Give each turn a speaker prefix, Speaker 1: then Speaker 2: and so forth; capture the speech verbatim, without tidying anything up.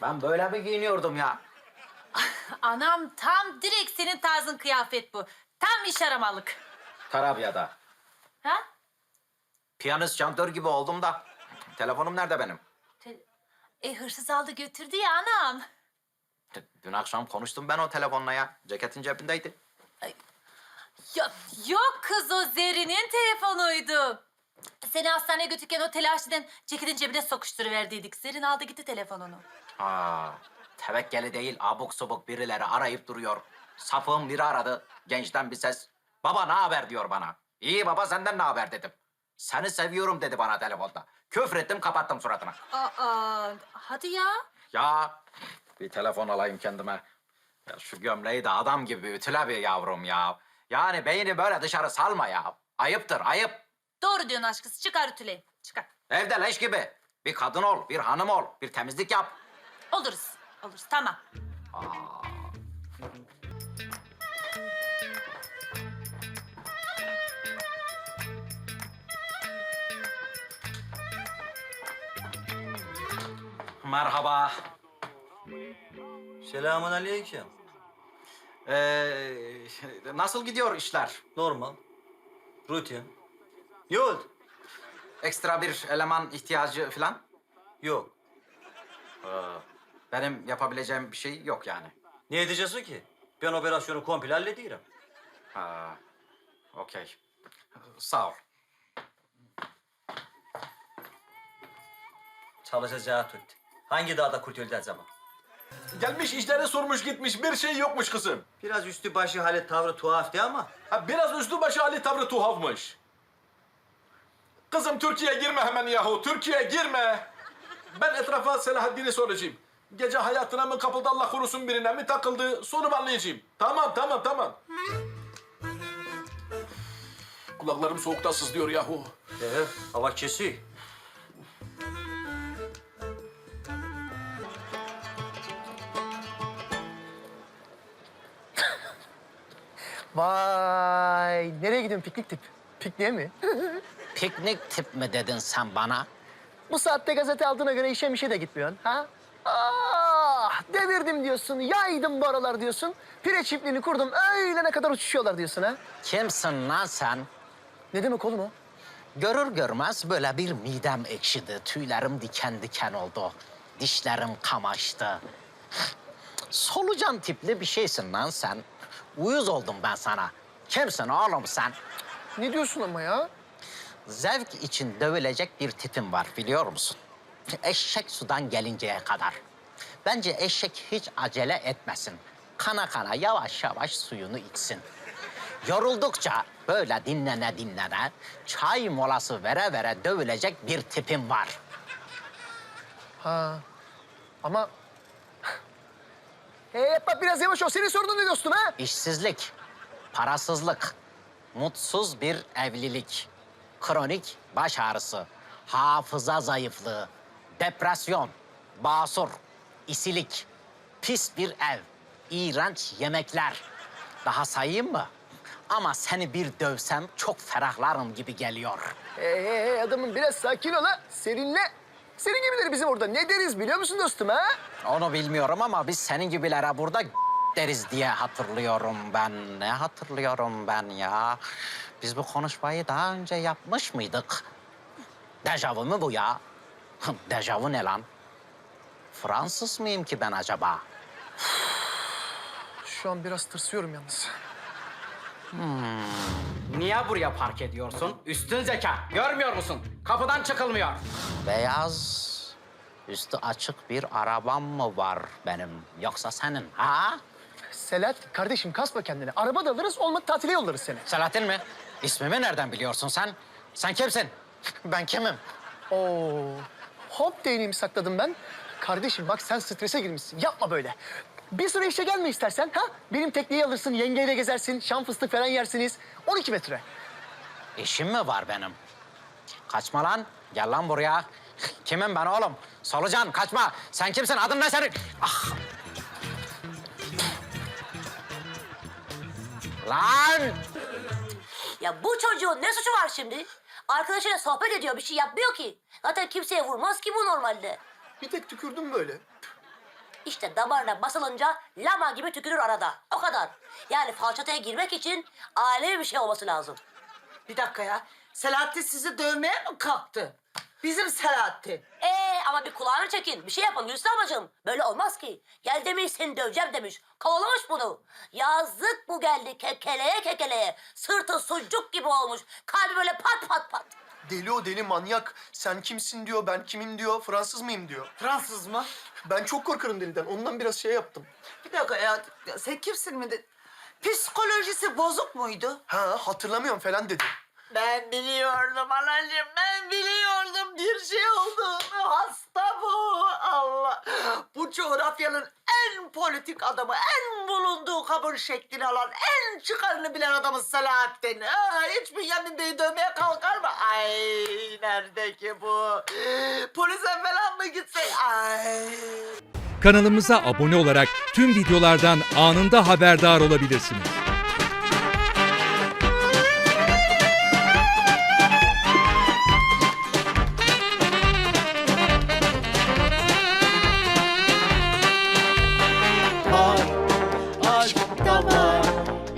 Speaker 1: Ben böyle mi giyiniyordum ya?
Speaker 2: Anam tam direkt senin tarzın kıyafet bu. Tam iş aramalık.
Speaker 1: Tarabya'da.
Speaker 2: Ha?
Speaker 1: Piyanist şantör gibi oldum da. Telefonum nerede benim?
Speaker 2: Te- E hırsız aldı götürdü ya anam.
Speaker 1: D- Dün akşam konuştum ben o telefonla ya. Ceketin cebindeydi.
Speaker 2: Ya, yok kız o Zerrin'in telefonuydu. Seni hastaneye götürürken o telaşlıdan ceketin cebine sokuşturuverdiydik. Zerrin aldı gitti telefonunu.
Speaker 1: Ha, tevekkeli değil abuk subuk birileri arayıp duruyor. Safığım biri aradı. Gençten bir ses. Baba ne haber diyor bana. İyi baba senden ne haber dedim. Seni seviyorum dedi bana telefonda. Küfrettim kapattım suratına.
Speaker 2: Aa, hadi ya.
Speaker 1: Ya bir telefon alayım kendime. Ya şu gömleği de adam gibi ütüle bir yavrum ya. Yani beyni böyle dışarı salma ya. Ayıptır ayıp.
Speaker 2: Doğru diyorsun aşkısı. Çıkar ütüleyin. Çıkar.
Speaker 1: Evde leş gibi. Bir kadın ol, bir hanım ol, bir temizlik yap.
Speaker 2: Oluruz. Oluruz. Tamam.
Speaker 1: Merhaba.
Speaker 3: Selamun aleyküm.
Speaker 1: Ee, nasıl gidiyor işler?
Speaker 3: Normal. Rutin. Ne oldu?
Speaker 1: Ekstra bir eleman ihtiyacı falan?
Speaker 3: Yok.
Speaker 1: Benim yapabileceğim bir şey yok yani.
Speaker 3: Ne edeceksin ki? Ben operasyonu komple hallediyorum.
Speaker 1: Ha, okey. Sağ ol.
Speaker 3: Çalışacağı tut. Hangi dağda kurt öldü acaba?
Speaker 4: Gelmiş işleri sormuş gitmiş bir şey yokmuş kızım.
Speaker 3: Biraz üstü başı halet tavrı tuhaftı ama.
Speaker 4: Ha, biraz üstü başı Ali tavrı tuhafmış. Kızım Türkiye'ye girme hemen yahu Türkiye'ye girme. Ben etrafa Selahaddin'i soracağım. Gece hayatına mı kapıldı Allah korusun birine mi takıldı sorup anlayacağım. Tamam tamam tamam. Kulaklarım soğukta sızlıyor yahu.
Speaker 3: Ee, hava kesiyor.
Speaker 5: Vay, nereye gidiyorsun piknik tip? Pikniğe mi?
Speaker 1: Piknik tip mi dedin sen bana?
Speaker 5: Bu saatte gazete aldığına göre işe mişe de gitmiyorsun, ha? Ah, devirdim diyorsun, yaydım bu aralar diyorsun. Pire çiftliğini kurdum, öğlene kadar uçuşuyorlar diyorsun, ha?
Speaker 1: Kimsin lan sen?
Speaker 5: Ne demek oğlum o?
Speaker 1: Görür görmez böyle bir midem ekşidi. Tüylerim diken diken oldu. Dişlerim kamaştı. Solucan tipli bir şeysin lan sen. Uyuz oldum ben sana. Kimsin oğlum sen?
Speaker 5: Ne diyorsun ama ya?
Speaker 1: Zevk için dövülecek bir tipim var biliyor musun? Eşek sudan gelinceye kadar. Bence eşek hiç acele etmesin. Kana kana yavaş yavaş suyunu içsin. Yoruldukça böyle dinlene dinlene çay molası vere vere dövülecek bir tipim var.
Speaker 5: Ha, ama... Hey, bak biraz yavaş ol. Senin sorunun ne dostum, ha?
Speaker 1: İşsizlik, parasızlık, mutsuz bir evlilik, kronik baş ağrısı, hafıza zayıflığı, depresyon, basur, isilik, pis bir ev, iğrenç yemekler. Daha sayayım mı? Ama seni bir dövsem çok ferahlarım gibi geliyor.
Speaker 5: Hey, hey, hey, adamım biraz sakin ol, ha. Serinle. Senin gibileri bizim orada ne deriz biliyor musun dostum, ha?
Speaker 1: Onu bilmiyorum ama biz senin gibilere burada deriz diye hatırlıyorum ben. Ne hatırlıyorum ben ya? Biz bu konuşmayı daha önce yapmış mıydık? Dejavu mu bu ya? Dejavu ne lan? Fransız mıyım ki ben acaba?
Speaker 5: Şu an biraz tırsıyorum yalnız.
Speaker 6: Niye buraya park ediyorsun? Üstün zeka. Görmüyor musun? Kapıdan çıkılmıyor.
Speaker 1: Beyaz, üstü açık bir arabam mı var benim? Yoksa senin ha?
Speaker 5: Selahattin kardeşim kasma kendini. Araba da alırız, olmadı tatile yollarız seni.
Speaker 1: Selahattin mi? İsmimi nereden biliyorsun sen? Sen kimsin? Ben kimim?
Speaker 5: Oo, hop değneğimi sakladım ben. Kardeşim bak sen strese girmişsin. Yapma böyle. Bir süre işe gelme istersen, ha? Benim tekneyi alırsın, yengeyle gezersin, şam fıstık falan yersiniz. on iki metre.
Speaker 1: İşim mi var benim? Kaçma lan. Gel lan buraya. Kimim ben oğlum? Solucan kaçma. Sen kimsin? Adın ne senin? Ah. Lan!
Speaker 7: Ya bu çocuğun ne suçu var şimdi? Arkadaşıyla sohbet ediyor, bir şey yapmıyor ki. Zaten kimseye vurmaz ki bu normalde.
Speaker 5: Bir tek tükürdüm böyle.
Speaker 7: İşte damarına basılınca lama gibi tükürür arada. O kadar. Yani falçataya girmek için alevi bir şey olması lazım.
Speaker 8: Bir dakika ya. Selahattin sizi dövmeye mi kalktı? Bizim Selahattin.
Speaker 7: Ee ama bir kulağını çekin. Bir şey yapın Gülsüm ablacığım. Böyle olmaz ki. Gel demiş seni döveceğim demiş. Kovalamış bunu. Yazık bu geldi kekeleye kekeleye. Sırtı sucuk gibi olmuş. Kalbi böyle pat pat pat.
Speaker 9: Deli o deli manyak. Sen kimsin diyor, ben kimim diyor, Fransız mıyım diyor.
Speaker 8: Fransız mı?
Speaker 9: Ben çok korkarım deliden. Ondan biraz şey yaptım.
Speaker 8: Bir dakika ya. ya sen kimsin mi? de- Psikolojisi bozuk muydu?
Speaker 9: Ha hatırlamıyorum falan dedi.
Speaker 8: Ben biliyordum anacığım. Ben biliyordum bir şey olduğunu. Hasta bu. Allah. Bu coğrafyanın en politik adamı, en bulunduğu kabul şeklini alan, en çıkarını bilen adamı Selahattin. Ha, hiç Bünyamin Bey'i dövmeye kalkar mı? Ay nerede ki bu? Polise falan mı gitsek? Ay.
Speaker 10: Kanalımıza abone olarak tüm videolardan anında haberdar olabilirsiniz.